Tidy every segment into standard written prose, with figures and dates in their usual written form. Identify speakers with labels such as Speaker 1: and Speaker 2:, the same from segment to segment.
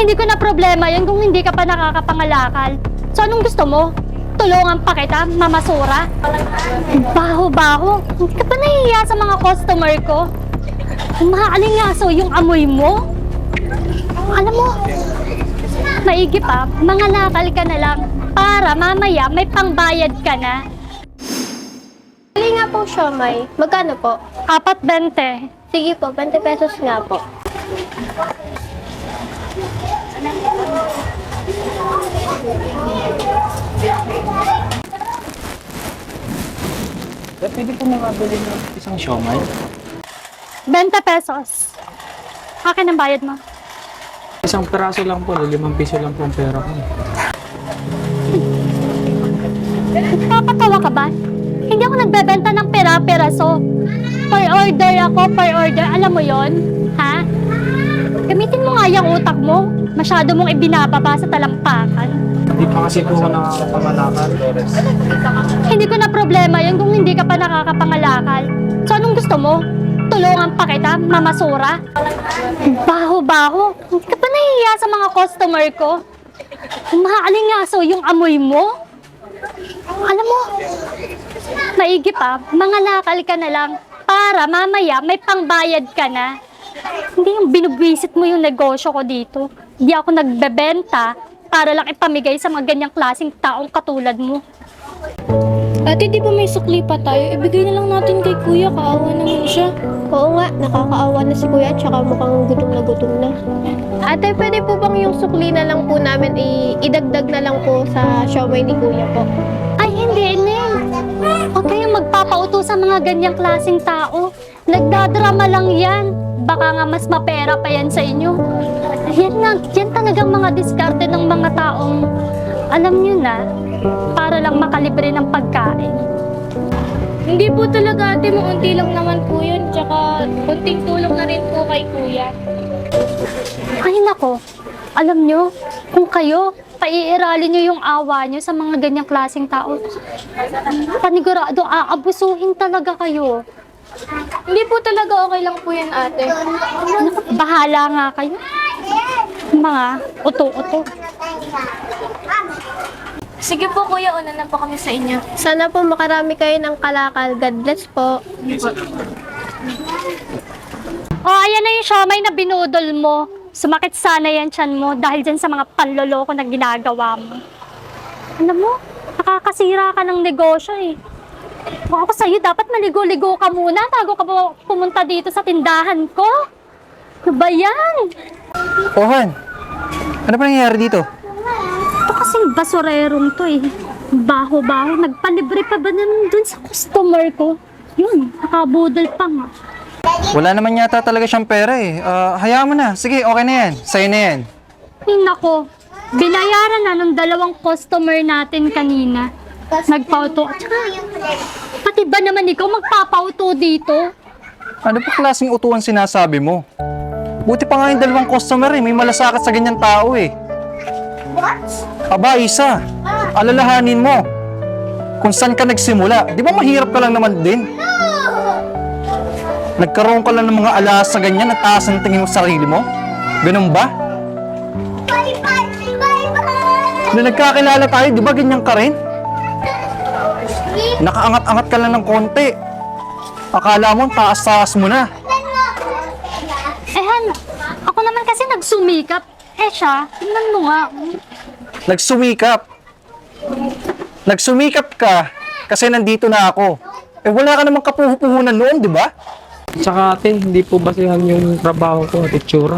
Speaker 1: Hindi ko na problema yun kung hindi ka pa nakakapangalakal. So anong gusto mo? Tulungan pa kita, mamasura? Baho-baho. Hindi ka pa nahihiya sa mga customer ko? Umaalingaso yung amoy mo? Alam mo, maigi pa, mangalakal ka na lang para mamaya may pangbayad ka na.
Speaker 2: Bili nga po siomay. Magkano po?
Speaker 1: 4.20.
Speaker 2: Sige po, 20 pesos nga po.
Speaker 3: Pwede po makabili ng isang siomay?
Speaker 1: 20 pesos. Akin ang bayad mo.
Speaker 3: Isang peraso lang po, 5 piso lang po ang pera ko.
Speaker 1: Papatawa ka ba? Hindi ako nagbebenta ng pera-peraso. Per order ako, per order. Alam mo yon, ha? Gamitin mo nga yung utak mo. Masyado mong ibinababa sa talampakan.
Speaker 3: Hindi pa kasi po ako nakakapangalakal.
Speaker 1: Hindi ko na problema yun kung hindi ka pa nakakapangalakal. So anong gusto mo? Tulungan pa kita, mamasura? Baho-baho. Hindi ka pa nahihiya sa mga customer ko? Umaalingaso yung amoy mo? Alam mo, maigi pa, mangalakal ka na lang para mamaya may pangbayad ka na. Hindi yung binubwisit mo yung negosyo ko dito. Hindi ako nagbebenta para lang ipamigay sa mga ganyang klaseng taong katulad mo.
Speaker 4: Ate, di ba may sukli pa tayo? Ibigay na lang natin kay kuya, kaawa naman siya.
Speaker 2: Oo nga, nakakaawa na si kuya tsaka mukhang gutom na gutom na. Ate, pwede po bang yung sukli na lang po namin idagdag na lang po sa siomay ni kuya po?
Speaker 1: Ay, hindi, Neng. Huwag kayong magpapauto sa mga ganyang klaseng tao. Nagdadrama lang yan. Baka nga mas mapera pa yan sa inyo. Yan talagang mga diskarte ng mga taong, alam nyo na, para lang makalibre ng pagkain.
Speaker 4: Hindi po talaga ate, maunti lang naman po yun. Tsaka, kunting tulong na rin po kay kuya.
Speaker 1: Ay nako, alam nyo, kung kayo, paiiralin nyo yung awa nyo sa mga ganyang klaseng tao, panigurado, aabusuhin talaga kayo.
Speaker 4: Hindi po talaga okay lang po yan ate.
Speaker 1: Bahala nga kayo. Mga uto-uto.
Speaker 4: Sige po kuya, una na po kami sa inyo.
Speaker 2: Sana po makarami kayo ng kalakal. God bless po.
Speaker 1: Oh, ayan na yung siomay na binudol mo. Sumakit sana yan tiyan mo dahil dyan sa mga panloloko na ginagawa mo. Alam mo, nakakasira ka ng negosyo eh. Kung ako sa'yo, dapat maligo-ligo ka muna bago ka pumunta dito sa tindahan ko. Ano ba yan?
Speaker 5: Han, ano pa nangyayari dito?
Speaker 1: Ito kasing basurerong to eh. Baho-baho. Nagpalibre pa ba naman dun sa customer ko? Yun, nakabudol pa nga.
Speaker 5: Wala naman yata talaga siyang pera eh. Hayaan mo na. Sige, okay na yan. Sa'yo na yan.
Speaker 1: Ay nako, binayaran na ng 2 customer natin kanina. Nagpauto. At saka, pati ba naman ikaw magpapauto dito?
Speaker 5: Ano pa klaseng utuan sinasabi mo? Buti pa nga yung 2 customer eh. May malasakit sa ganyan tao eh. Aba, Isa. Alalahanin mo. Kung saan ka nagsimula. Di ba mahirap ka lang naman din? Nagkaroon ka lang ng mga alas sa ganyan at taas ang tingin mo sa sarili mo? Ganun ba? Nung nagkakilala tayo, di ba ganyan ka rin? Nakaangat-angat ka lang ng konti. Akala mo, taas-taas mo na.
Speaker 1: Han, ako naman kasi nagsumikap. Siya, tingnan mo nga.
Speaker 5: Nagsumikap. Nagsumikap ka kasi nandito na ako. Wala ka namang kapuhupuhunan noon, di ba?
Speaker 3: Tsaka ate, hindi po basihan yung trabaho ko at itsura.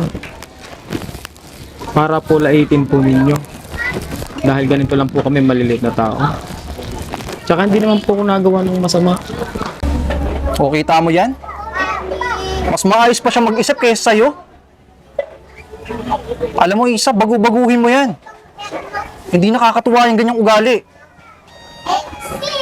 Speaker 3: Para po laitin po ninyo. Dahil ganito lang po kami maliliit na tao. Tsaka hindi naman po ako nagawa ng masama.
Speaker 5: O, kita mo yan? Mas maayos pa siya mag-isip kaysa sa'yo. Alam mo, Isa, bagu-baguhin mo yan. Hindi nakakatuwa yung ganyang ugali.